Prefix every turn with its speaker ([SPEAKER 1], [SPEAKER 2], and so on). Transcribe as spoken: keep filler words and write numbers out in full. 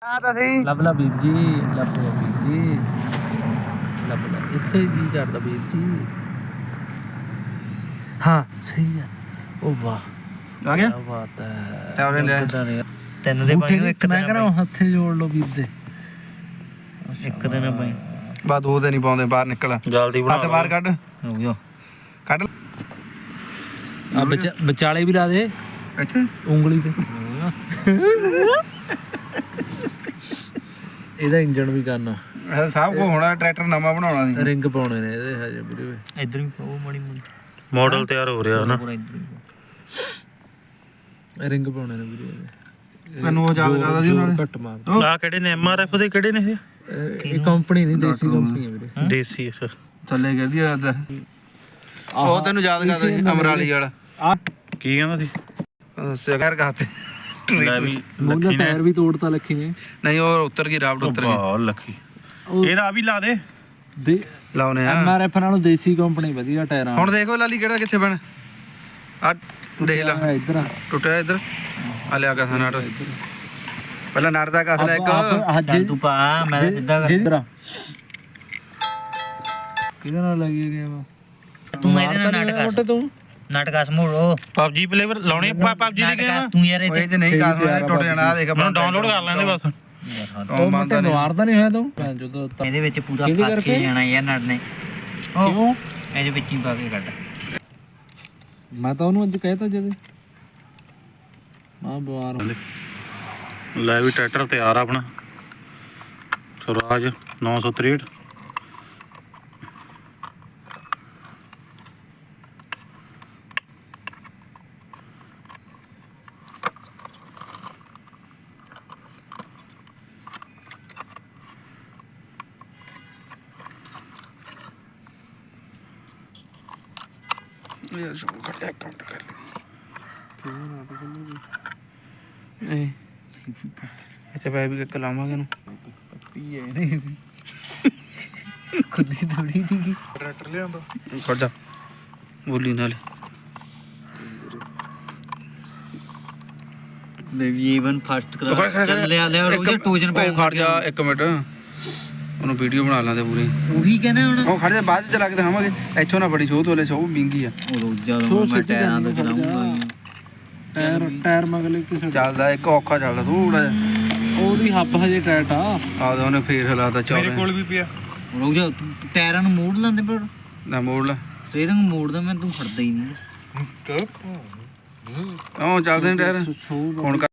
[SPEAKER 1] ਆ ਤਾਂ ਸਹੀ
[SPEAKER 2] ਲੱਭ ਲਾ ਵੀਰ ਜੀ, ਲੱਭ ਲਾ ਵੀਰ ਜੀ, ਲੱਭ ਲਾ ਇੱਥੇ ਜੀ ਕਰਦਾ ਵੀਰ ਜੀ। ਹਾਂ ਸਹੀ ਹੈ। ਉਹ ਵਾਹ
[SPEAKER 1] ਆ ਗਿਆ
[SPEAKER 2] ਕਿਆ ਬਾਤ ਹੈ।
[SPEAKER 1] ਲੈ ਉਹਨੇ ਲੈ
[SPEAKER 3] ਤਿੰਨ ਦੇ ਪਾਈ ਇੱਕ
[SPEAKER 2] ਮੈਂ ਕਹਿੰਦਾ ਹੱਥੇ ਜੋੜ ਲਓ ਵੀਰ ਦੇ।
[SPEAKER 3] ਇੱਕ ਦਿਨ ਪਾਈ
[SPEAKER 1] ਬਾ ਦੋ ਤੇ ਨਹੀਂ ਪਾਉਂਦੇ ਬਾਹਰ ਨਿਕਲ
[SPEAKER 3] ਜਲਦੀ ਬਣਾ
[SPEAKER 1] ਹੱਥ ਬਾਹਰ ਕੱਢ
[SPEAKER 3] ਹੋ ਗਿਆ
[SPEAKER 1] ਕੱਢ
[SPEAKER 2] ਆ ਵਿਚ- ਵਿਚਾਲੇ ਵੀ ਲਾ ਦੇ
[SPEAKER 1] ਇੱਥੇ
[SPEAKER 2] ਉਂਗਲੀ ਤੇ। ਇਹਦਾ ਇੰਜਣ ਵੀ ਕਰਨਾ,
[SPEAKER 1] ਇਹ ਸਭ ਕੋ ਹੋਣਾ। ਟਰੈਕਟਰ ਨਵਾਂ ਬਣਾਉਣਾ ਸੀ।
[SPEAKER 2] ਰਿੰਗ ਪਾਉਣੇ ਨੇ ਇਹਦੇ ਹਜੇ ਵੀਰੇ।
[SPEAKER 3] ਇੱਧਰ ਵੀ ਉਹ ਮਾੜੀ ਮੋਟੀ ਮਾਡਲ ਤਿਆਰ ਹੋ ਰਿਹਾ ਨਾ ਪੂਰਾ ਇੱਧਰ ਵੀ
[SPEAKER 2] ਰਿੰਗ ਪਾਉਣੇ ਨੇ ਵੀਰੇ ਇਹਦੇ।
[SPEAKER 1] ਮੈਨੂੰ ਉਹ ਯਾਦ ਕਰਦਾ ਸੀ ਉਹਨਾਂ ਨੇ
[SPEAKER 2] ਘੱਟ ਮਾਰ।
[SPEAKER 3] ਆ ਕਿਹੜੇ ਨੇ ਐਮ ਆਰ ਐਫ ਦੇ ਕਿਹੜੇ ਨੇ ਇਹ
[SPEAKER 2] ਇਹ ਕੰਪਨੀ ਨਹੀਂ, ਦੇਸੀ ਕੰਪਨੀ ਹੈ ਵੀਰੇ।
[SPEAKER 3] ਦੇਸੀ ਸਰ
[SPEAKER 1] ਥੱਲੇ ਗਿਰਦੀ ਆ ਤਾਂ ਉਹ ਤੈਨੂੰ ਯਾਦ ਕਰਦਾ ਸੀ ਅਮਰਾਲੀ ਵਾਲਾ।
[SPEAKER 2] ਆ
[SPEAKER 3] ਕੀ ਕਹਿੰਦਾ ਸੀ
[SPEAKER 1] ਦੱਸਿਆ ਕਰ ਕਹਤੇ
[SPEAKER 3] ਲੈ ਵੀ
[SPEAKER 2] ਮੋਢਾ ਟਾਇਰ ਵੀ ਤੋੜਤਾ ਲੱਖੀ ਨੇ।
[SPEAKER 1] ਨਹੀਂ ਉਹ ਉੱਤਰ ਗਈ ਰਾਵਟ ਉੱਤਰ ਗਈ।
[SPEAKER 3] ਵਾਹ ਲੱਖੀ ਇਹਦਾ ਆ ਵੀ ਲਾ ਦੇ
[SPEAKER 2] ਦੇ
[SPEAKER 1] ਲਾਉਨੇ ਆ
[SPEAKER 2] ਐਮ ਆਰ ਐਫ ਨਾਲੋਂ ਦੇਸੀ ਕੰਪਨੀ ਵਧੀਆ ਟਾਇਰਾਂ।
[SPEAKER 1] ਹੁਣ ਦੇਖੋ ਲਾਲੀ ਕਿਹੜਾ ਕਿੱਥੇ ਬਣ ਆ ਦੇਖ ਲਾ
[SPEAKER 2] ਇੱਧਰ ਆ
[SPEAKER 1] ਟੁੱਟਿਆ ਇੱਧਰ ਆ ਲਿਆ ਕਾ ਨਾਟ ਪਹਿਲਾਂ ਨਾਟ ਦਾ ਕਸ ਲੈ ਇੱਕ
[SPEAKER 3] ਚੱਲ ਤੂੰ ਪਾ ਮੈਂ ਤਾਂ ਸਿੱਧਾ ਕਰ
[SPEAKER 2] ਜਿੱਧਰ ਕਿਹਦੇ ਨਾਲ ਲੱਗੀ ਗਿਆ ਵਾ
[SPEAKER 3] ਤੂੰ ਇਹਦੇ ਨਾਲ ਨਾਟਕ
[SPEAKER 2] ਤੂੰ
[SPEAKER 3] ਨਾਟਕ ਸਮੂਹ ਪਬਜੀ ਪਲੇਅਰ ਲਾਉਣੇ ਪਬਜੀ ਦੀ ਗੇਮ ਤੂੰ ਯਾਰ
[SPEAKER 1] ਉਹ ਜੇ ਨਹੀਂ ਕਾਸ ਹੋਣਾ ਟੁੱਟ ਜਾਣਾ ਆ ਦੇਖ
[SPEAKER 3] ਮੈਨੂੰ ਡਾਊਨਲੋਡ ਕਰ ਲੈਂਦੇ ਬਸ
[SPEAKER 2] ਤੂੰ ਮੰਨਦਾ ਨਹੀਂ ਮਾਰਦਾ ਨਹੀਂ ਹੋਇਆ ਤੂੰ ਜਦੋਂ
[SPEAKER 3] ਇਹਦੇ ਵਿੱਚ ਪੂਰਾ ਫਸ ਕੇ ਜਾਣਾ ਯਾਰ ਨਟ ਨੇ
[SPEAKER 2] ਕਿਉਂ
[SPEAKER 3] ਇਹਦੇ ਵਿੱਚ ਹੀ ਪਾ ਕੇ ਕੱਢ
[SPEAKER 2] ਮੈਂ ਤਾਂ ਉਹਨੂੰ ਅੱਜ ਕਹਿਤਾ ਜਦ ਮਾਂ ਬਿਮਾਰ
[SPEAKER 3] ਲੈ ਵੀ ਟਰੈਕਟਰ ਤਿਆਰ ਆ ਆਪਣਾ ਸਵਰਾਜ ਨੌ ਸੌ ਤਰੇਹਠ
[SPEAKER 1] ਯਾਰ ਸ਼ੋ ਕੱਟ ਇੱਕ ਮਿੰਟ ਕਰ ਲਈ ਅੱਛਾ ਭਾਈ ਵੀ ਇੱਕ ਲਾਵਾਂਗੇ ਨੂੰ
[SPEAKER 3] ਪੱਪੀ ਹੈ ਨਹੀਂ ਖੁੱਦੀ ਥੋੜੀ ਦੀ
[SPEAKER 1] ਟਰੈਕਟਰ ਲਿਆਂਦਾ ਖੜ ਜਾ ਬੋਲੀ ਨਾਲੇ
[SPEAKER 3] ਲੈ ਵੀ ਈਵਨ ਫਸਟ ਕਲਾਸ ਚੱਲ ਲਿਆ ਲਿਆ ਰੋਜ਼ ਟੋਜਨ ਪੈ
[SPEAKER 1] ਖੜ ਜਾ ਇੱਕ ਮਿੰਟ ਉਹਨੂੰ ਵੀਡੀਓ ਬਣਾ ਲਾਂਦੇ ਪੂਰੀ।
[SPEAKER 3] ਉਹੀ ਕਹਿੰਦਾ ਹੁਣ
[SPEAKER 1] ਉਹ ਖੜ ਜਾ ਬਾਅਦ ਚ ਚਲਾ ਕੇ ਦਿਖਾਵਾਂਗੇ। ਇੱਥੋਂ ਨਾ ਬੜੀ ਸੋਧ ਵਾਲੇ ਸੋ ਵਿੰਗੀ ਆ
[SPEAKER 3] ਉਹ ਰੋਜ਼ ਜਦੋਂ ਮੈਂ ਟਾਇਰਾਂ ਤੋਂ ਚਲਾਉਂਗਾ
[SPEAKER 2] ਟਾਇਰ ਟਾਇਰ ਮਗਲੇ ਕਿਸੇ
[SPEAKER 1] ਚੱਲਦਾ ਇੱਕ ਔਖਾ ਚੱਲਦਾ ਥੋੜਾ ਜਿਹਾ।
[SPEAKER 2] ਉਹਦੀ ਹੱਬ ਹਜੇ ਟਾਇਟ ਆ
[SPEAKER 1] ਆਹ ਉਹਨੇ ਫੇਰ ਹਲਾਤਾ ਚੌੜੇ ਮੇਰੇ ਕੋਲ ਵੀ ਪਿਆ
[SPEAKER 3] ਰੋਜ਼ ਟਾਇਰਾਂ ਨੂੰ ਮੋੜ ਲੈਂਦੇ ਪਰ
[SPEAKER 1] ਨਾ ਮੋੜ ਲਾ
[SPEAKER 3] ਸਟੀਅਰਿੰਗ ਮੋੜਦਾ ਮੈਂ ਤੂੰ ਫੜਦਾ ਹੀ ਨਹੀਂ
[SPEAKER 1] ਉਹ ਚੱਲਦੇ ਨੇ ਟਾਇਰ ਹੁਣ